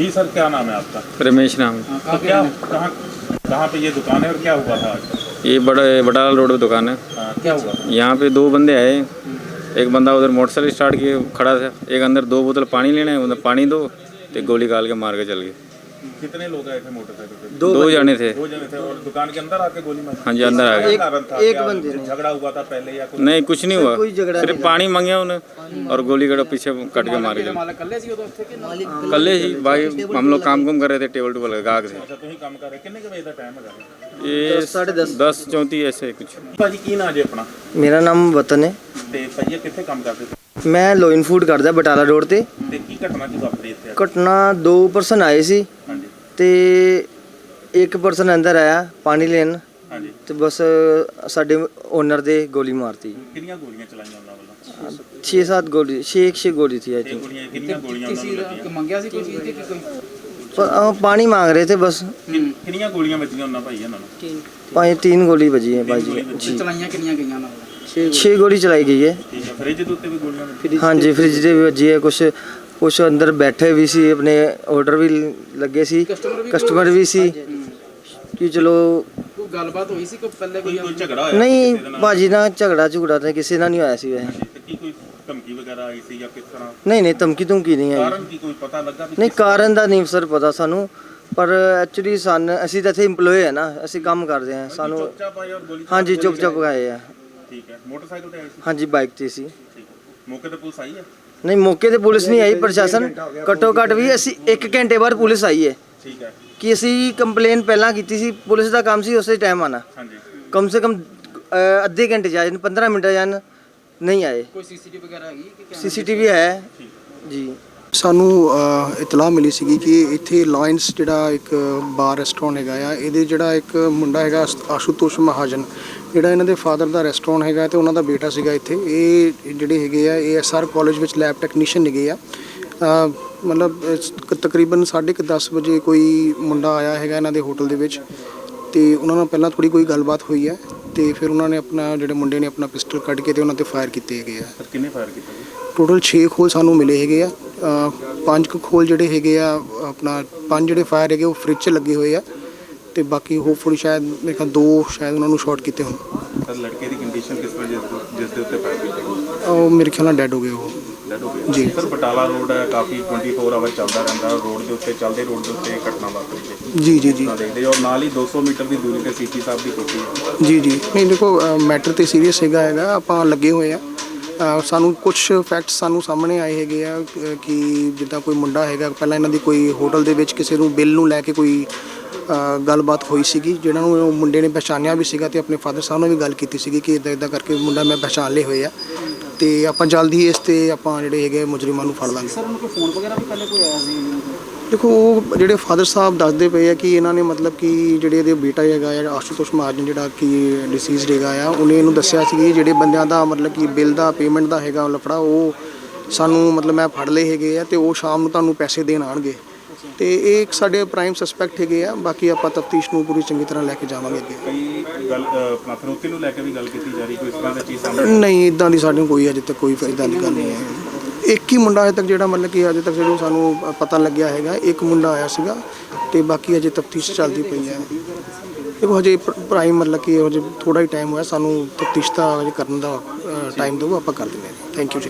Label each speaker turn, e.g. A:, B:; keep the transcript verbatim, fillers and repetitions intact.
A: जी sir, क्या नाम है आपका?
B: रमेश नाम है।
A: तो क्या कहाँ कहाँ पे ये दुकान है और क्या हुआ था आज?
B: ये बड़ा बटाला रोड पे दुकान है।
A: हाँ, क्या हुआ?
B: यहाँ पे दो बंदे आए, एक बंदा उधर मोटरसाइकिल स्टार्ट किए खड़ा था, एक अंदर दो बोतल पानी लेने, उधर पानी दो तो गोली काल के मार के चल गए।
A: कितने लोग आए थे मोटरसाइकिल पे?
B: दो, दो जने थे।
A: दो जने थे और दुकान के अंदर आके गोली मारी?
B: हाँ जी, अंदर आ गए।
A: कारण था?
C: एक
A: क्या
C: बंदे ने।
A: झगड़ा हुआ था पहले या कुछ?
B: नहीं, कुछ नहीं हुआ,
C: कोई झगड़ा
B: सिर्फ पानी मांगे उन्हें और गोली कड़ा पीछे कट के मार के। कल ही भाई हम लोग काम कुम कर रहे थे, टेबल टूबल गाहक थे।
A: अच्छा, ਤੁਸੀਂ ਕੰਮ ਕਰ ਰਹੇ ਕਿੰਨੇ ਕੁ ਵਜੇ ਦਾ ਟਾਈਮ ਹੈਗਾ?
B: ये
C: साढ़े दस।
B: दस चौंतीस ऐसे कुछ।
A: ਭਾਜੀ ਕੀ ਨਾਂ ਜੇ ਆਪਣਾ?
C: ਮੇਰਾ ਨਾਮ ਵਤਨ ਹੈ।
A: ਤੇ ਭਾਜੀ ਕਿੱਥੇ ਕੰਮ ਕਰਦੇ ਸੀ?
C: ਮੈਂ ਲੋਇਨ ਫੂਡ ਕਰਦਾ ਬਟਾਲਾ ਰੋਡ ਤੇ।
A: ਤੇ ਕੀ ਘਟਨਾ ਕੀ ਵਾਪਰੀ ਇੱਥੇ?
C: ਘਟਨਾ ਦੋ ਪਰਸਨ ਆਏ ਸੀ
A: ਹਾਂਜੀ
C: ਤੇ ਇੱਕ ਪਰਸਨ ਅੰਦਰ ਆਇਆ ਪਾਣੀ ਲੈਣ
A: ਹਾਂਜੀ।
C: ਤੇ ਬਸ ਸਾਡੇ ਓਨਰ ਦੇ ਗੋਲੀ ਮਾਰਤੀ।
A: ਕਿੰਨੀਆਂ ਗੋਲੀਆਂ ਚਲਾਈਆਂ ਉਹਨਾਂ ਵੱਲੋਂ?
C: ਛੇ ਸੱਤ ਗੋਲੀ ਛੇ ਛੇ ਗੋਲੀ थी आई
A: ਇਹ
C: थिंक।
A: ਗੋਲੀਆਂ ਕਿੰਨੀਆਂ ਗੋਲੀਆਂ ਉਹਨਾਂ ਨੂੰ ਲੱਗੀਆਂ?
D: ਮੰਗਿਆ ਸੀ ਕੋਈ ਚੀਜ਼ ਕਿ ਕੋਈ
C: पर अ, पानी मांग रहे थे बस।
A: ਕਿੰਨੀਆਂ ਗੋਲੀਆਂ ਵੱਜੀਆਂ ਉਹਨਾਂ ਭਾਈ ਇਹਨਾਂ ਨੂੰ?
C: पाँच तीन गोली बजी है भाई जी जी।
D: ਚਲਾਈਆਂ ਕਿੰਨੀਆਂ ਗਈਆਂ ਨਾਲ?
C: छः गोली चलाई गई है।
A: ਠੀਕ ਹੈ, ਫ੍ਰਿਜ ਦੇ ਉੱਤੇ ਵੀ ਗੋਲੀਆਂ ਵੱਜੀਆਂ?
C: हाँ जी, फ्रिज ਦੇ ਵੀ ਵੱਜੀ ਹੈ। ਕੁਛ ਕੁਛ ਅੰਦਰ ਬੈਠੇ ਵੀ ਸੀ, ਆਪਣੇ ਆਰਡਰ ਵੀ ਲੱਗੇ ਸੀ, ਕਸਟਮਰ ਵੀ ਸੀ ਕਿ ਚਲੋ।
D: ਕੋਈ ਗੱਲਬਾਤ ਹੋਈ ਸੀ ਕੋਈ ਪਹਿਲੇ
A: ਕੋਈ
D: ਕੋਈ
A: ਕੋਈ ਝਗੜਾ ਹੋਇਆ
C: ਨਹੀਂ
A: ਕਿਸੇ ਦੇ ਨਾਲ?
C: ਭਾਜੀ ਨਾਲ ਝਗੜਾ ਝੁਗੜਾ ਤਾਂ ਕਿਸੇ ਨਾਲ ਨਹੀਂ ਹੋਇਆ ਸੀ ਵੈਸੇ।
A: ਤੇ ਕੀ ਕੋਈ ਧਮਕੀ ਵਗੈਰਾ ਆਈ ਸੀ ਜਾਂ ਕਿਸ ਤਰ੍ਹਾਂ?
C: ਨਹੀਂ ਨਹੀਂ ਧਮਕੀ ਧਮਕੀ ਨਹੀਂ ਆਈ।
A: ਕਾਰਨ ਕੀ ਕੋਈ ਪਤਾ ਲੱਗਾ ਵੀ
C: ਨਹੀਂ
A: ਕਿਸ-
C: ਕਾਰਨ ਦਾ ਨਹੀਂ ਸਰ ਪਤਾ ਸਾਨੂੰ, ਪਰ ਐਕਚੁਅਲੀ ਸਨ ਅਸੀਂ ਤਾਂ ਇੱਥੇ EMPLOYE ਹੈ ਨਾ, ਅਸੀਂ ਕੰਮ ਕਰਦੇ ਹਾਂ ਸਾਨੂੰ।
A: ਚੁੱਪਚਾਪ ਆਏ ਔਰ ਗੋਲੀ
C: ਹਾਂਜੀ ਚੁੱਪ ਚੁੱਪ ਗਏ ਆ।
A: ਠੀਕ ਹੈ, ਮੋਟਰਸਾਈਕਲ ਤੇ ਆਏ ਸੀ?
C: ਹਾਂਜੀ ਬਾਈਕ ਤੇ ਸੀ।
A: ਠੀਕ ਹੈ, ਮੌਕੇ ਤੇ ਪੁਲਿਸ ਆਈ ਹੈ?
C: ਨਹੀਂ ਮੌਕੇ ਤੇ ਪੁਲਿਸ ਨਹੀਂ ਆਈ, ਪ੍ਰਸ਼ਾਸਨ ਘੱਟੋ ਘੱਟ ਵੀ ਅਸੀਂ ਇੱਕ ਘੰਟੇ ਬਾਅਦ ਪੁਲਿਸ ਆਈ ਹੈ
A: ਠੀਕ ਹੈ
C: ਕਿ ਅਸੀਂ ਕੰਪਲੇਨ ਪਹਿਲਾਂ ਕੀਤੀ ਸੀ। ਪੁਲਿਸ ਦਾ ਕੰਮ ਸੀ ਉਸੇ ਟਾਈਮ ਆਣਾ,
A: ਹਾਂਜੀ।
C: ਕਮ ਸੇ ਕਮ ਅ, ਅੱਧੇ ਘੰਟੇ ਜਾਣ ਪੰਦਰਾਂ ਮਿੰਟ ਜਾਣ, ਨਹੀਂ ਆਏ।
D: ਕੋਈ ਸੀਸੀਟੀਵੀ ਵਗੈਰਾ ਹੈਗੀ ਕਿ ਕੈਮਰਾ?
C: ਸੀਸੀਟੀਵੀ ਹੈ ਜੀ।
E: ਸਾਨੂੰ ਅ, ਇਤਲਾਹ ਮਿਲੀ ਸੀਗੀ ਕਿ ਇੱਥੇ ਲਾਇਨਸ ਜਿਹੜਾ ਇੱਕ ਬਾਰ ਰੈਸਟੋਰੈਂਟ ਹੈਗਾ ਆ, ਇਹਦੇ ਜਿਹੜਾ ਇੱਕ ਮੁੰਡਾ ਹੈਗਾ ਆਸ- ਆਸ਼ੂਤੋਸ਼ ਮਹਾਜਨ, ਜਿਹੜਾ ਇਹਨਾਂ ਦੇ ਫਾਦਰ ਦਾ ਰੈਸਟੋਰੈਂਟ ਹੈਗਾ ਤੇ ਉਹਨਾਂ ਦਾ ਬੇਟਾ ਸੀਗਾ ਇੱਥੇ। ਇਹ ਜਿਹੜੇ ਹੈਗੇ ਆ ਇਹ ਐਸਆਰ ਕਾਲਜ ਵਿੱਚ ਲੈਬ ਟੈਕਨੀਸ਼ੀਅਨ ਹੈਗੇ ਆ। ਅ, ਮਤਲਬ ਇਸ- ਕ- ਤਕਰੀਬਨ ਸਾਢੇ ਕੁ ਦਸ ਵਜੇ ਕੋਈ ਮੁੰਡਾ ਆਇਆ ਹੈਗਾ ਇਹਨਾਂ ਦੇ ਹੋਟਲ ਦੇ ਵਿੱਚ ਤੇ ਉਹਨਾਂ ਨਾਲ ਪਹਿਲਾਂ ਥੋੜੀ ਕੋਈ ਗੱਲਬਾਤ ਹੋਈ ਹੈ ਤੇ ਫਿਰ ਉਹਨਾਂ ਨੇ ਆਪਣਾ ਜਿਹੜੇ ਮੁੰਡੇ ਨੇ ਆਪਣਾ ਪਿਸਟਲ ਕੱਢ ਕੇ ਤੇ ਉਹਨਾਂ ਤੇ ਫਾਇਰ ਕੀਤੇ ਹੈਗੇ ਆ।
A: ਸਰ ਕਿੰਨੇ ਫਾਇਰ ਕੀਤਾ ਜੀ?
E: ਟੋਟਲ ਛੇ ਖੋਲ ਸਾਨੂੰ ਮਿਲੇ ਹੈਗੇ ਆ। ਅ, ਪੰਜ ਕੁ ਖੋਲ ਜਿਹੜੇ ਹੈਗੇ ਆ ਆਪਣਾ ਪੰਜ ਜਿਹੜੇ ਫਾਇਰ ਹੈਗੇ ਉਹ ਫ੍ਰਿਜ 'ਚ ਲੱਗੇ ਹੋਏ ਆ ਤੇ ਬਾਕੀ ਹੋਪਫੁਲੀ ਸ਼ਾਇਦ ਮੇਰੇ ਖਿਆਲ ਦੋ ਸ਼ਾਇਦ ਉਹਨਾਂ ਨੂੰ ਸ਼ਾਰਟ ਕੀਤੇ ਹੋਣ।
A: ਸਰ ਲੜਕੇ ਦੀ ਕੰਡੀਸ਼ਨ ਕਿਸ ਤਰ੍ਹਾਂ ਜਿਸ ਜਿਸ ਦੇ ਉੱਤੇ ਫਾਇਰ ਕੀਤਾ?
E: ਉਹ ਮੇਰੇ ਖਿਆਲ ਨਾਲ ਡੈਡ ਹੋ ਗਏ ਉਹ।
A: ਡੈਡ ਹੋ ਗਿਆ
E: ਜੀ।
A: ਸਰ ਬਟਾਲਾ ਰੋਡ ਹੈ, ਕਾਫੀ ਚੌਵੀ ਆਵਰ ਚੱਲਦਾ ਰਹਿੰਦਾ ਰੋਡ ਦੇ ਉੱਤੇ, ਚੱਲਦੇ ਰੋਡ ਦੇ ਉੱਤੇ ਇਹ ਘਟਨਾ ਵਾਪਰੀ ਹੈ
E: ਜੀ ਜੀ ਜੀ
A: ਨਾ ਦੇਖਦੇ ਔਰ ਨਾਲ ਹੀ ਦੋ ਸੌ ਮੀਟਰ ਦੀ ਦੂਰੀ ਤੇ ਸੀਪੀ ਸਾਹਿਬ ਦੀ ਕੋਠੀ ਹੈ।
E: ਜੀ ਜੀ ਨਹੀਂ ਦੇਖੋ ਮੈਟਰ ਤੇ ਸੀਰੀਅਸ ਹੈਗਾ ਹੈਗਾ ਆਪਾਂ ਲੱਗੇ ਹੋਏ ਆ। ਅ, ਸਾਨੂੰ ਕੁਝ ਫੈਕਟਸ ਸਾਨੂੰ ਸਾਹਮਣੇ ਆਏ ਹੈਗੇ ਆ ਅ, ਕਿ ਜਿੱਦਾਂ ਕੋਈ ਮੁੰਡਾ ਹੈਗਾ ਪਹਿਲਾਂ ਇਹਨਾਂ ਦੀ ਕੋਈ ਹੋਟਲ ਦੇ ਵਿੱਚ ਕਿਸੇ ਨੂੰ ਬਿੱਲ ਨੂੰ ਲੈ ਕੇ ਕੋਈ ਅ, ਗੱਲਬਾਤ ਹੋਈ ਸੀਗੀ, ਜਿਹਨਾਂ ਨੂੰ ਉਹ ਮੁੰਡੇ ਨੇ ਪਛਾਣਿਆ ਵੀ ਸੀਗਾ ਤੇ ਆਪਣੇ ਫਾਦਰ ਸਾਹਿਬ ਨਾਲ ਵੀ ਗੱਲ ਕੀਤੀ ਸੀਗੀ ਕਿ ਇਦਾਂ ਇਦਾਂ ਕਰਕੇ ਮੁੰਡਾ ਮੈਂ ਪਛਾਣ ਲਏ ਹੋਏ ਆ ਤੇ ਆਪਾਂ ਜਲਦੀ ਇਸ ਤੇ ਆਪਾਂ ਜਿਹੜੇ ਹੈਗੇ ਮੁਜਰਮਾਂ ਨੂੰ ਫੜ ਲਾਂਗੇ।
D: ਸਰ ਉਹਨੂੰ ਕੋਈ ਫੋਨ ਵਗੈਰਾ ਵੀ ਪਹਿਲੇ ਕੋਈ ਆਇਆ ਸੀ?
E: ਦੇਖੋ ਉਹ ਜਿਹੜੇ ਫਾਦਰ ਸਾਹਿਬ ਦੱਸਦੇ ਪਏ ਆ ਕਿ ਇਹਨਾਂ ਨੇ ਮਤਲਬ ਕਿ ਜਿਹੜੇ ਇਹਦੇ ਬੇਟਾ ਹੈਗਾ ਆ ਆਸ਼ੂਤੋਸ਼ ਮਹਾਜਨ ਜਿਹੜਾ ਕਿ ਡਿਸੀਜ਼ਡ ਹੈਗਾ ਆ, ਉਹਨੇ ਇਹਨੂੰ ਦੱਸਿਆ ਸੀ ਕਿ ਜਿਹੜੇ ਬੰਦਿਆਂ ਦਾ ਮਤਲਬ ਕਿ ਬਿੱਲ ਦਾ ਪੇਮੈਂਟ ਦਾ ਹੈਗਾ ਲਫੜਾ ਉਹ ਸਾਨੂੰ ਮਤਲਬ ਮੈਂ ਫੜ ਲਏ ਹੈਗੇ ਆ ਤੇ ਉਹ ਸ਼ਾਮ ਨੂੰ ਤੁਹਾਨੂੰ ਪੈਸੇ ਦੇਣ ਆਣਗੇ ਤੇ ਇਹ ਇੱਕ ਸਾਡੇ ਪ੍ਰਾਈਮ ਸਸਪੈਕਟ ਹੈਗੇ ਆ। ਬਾਕੀ ਆਪਾਂ ਤਫਤੀਸ਼ ਨੂੰ ਪੂਰੀ ਚੰਗੀ ਤਰ੍ਹਾਂ ਲੈ ਕੇ ਜਾਵਾਂਗੇ ਅੱਗੇ।
A: ਕਈ ਗੱਲ ਅ, ਆਪਣਾ ਫਿਰੋਤੀ ਨੂੰ ਲੈ ਕੇ ਵੀ ਗੱਲ ਕੀਤੀ ਜਾ ਰਹੀ, ਕੋਈ ਇਸ ਤਰ੍ਹਾਂ ਦੀ ਚੀਜ਼ ਸਾਹਮਣੇ?
E: ਨਹੀਂ ਇਦਾਂ ਦੀ ਸਾਨੂੰ ਕੋਈ ਅਜੇ ਤੱਕ ਕੋਈ ਇਦਾਂ ਦੀ ਗੱਲ ਨਹੀਂ ਹੈ। ਇੱਕ ਹੀ ਮੁੰਡਾ ਅਜੇ ਤੱਕ ਜਿਹੜਾ ਮਤਲਬ ਕਿ ਅਜੇ ਤੱਕ ਜਿਹਨੂੰ ਸਾਨੂੰ ਪਤਾ ਲੱਗਿਆ ਹੈਗਾ, ਇੱਕ ਮੁੰਡਾ ਆਇਆ ਸੀਗਾ ਤੇ ਬਾਕੀ ਅਜੇ ਤਫਤੀਸ਼ ਚੱਲਦੀ ਪਈ ਹੈ। ਦੇਖੋ ਹਜੇ ਪ੍ਰਾਈਮ ਮਤਲਬ ਕਿ ਹਜੇ ਥੋੜਾ ਹੀ ਟਾਈਮ ਹੋਇਆ, ਸਾਨੂੰ ਤਫਤੀਸ਼ ਦਾ ਹਜੇ ਕਰਨ ਦਾ ਟਾਈਮ ਦਿਓ, ਆਪਾਂ ਕਰ ਦਿੰਦੇ ਹਾਂ। ਥੈਂਕ ਯੂ ਜੀ।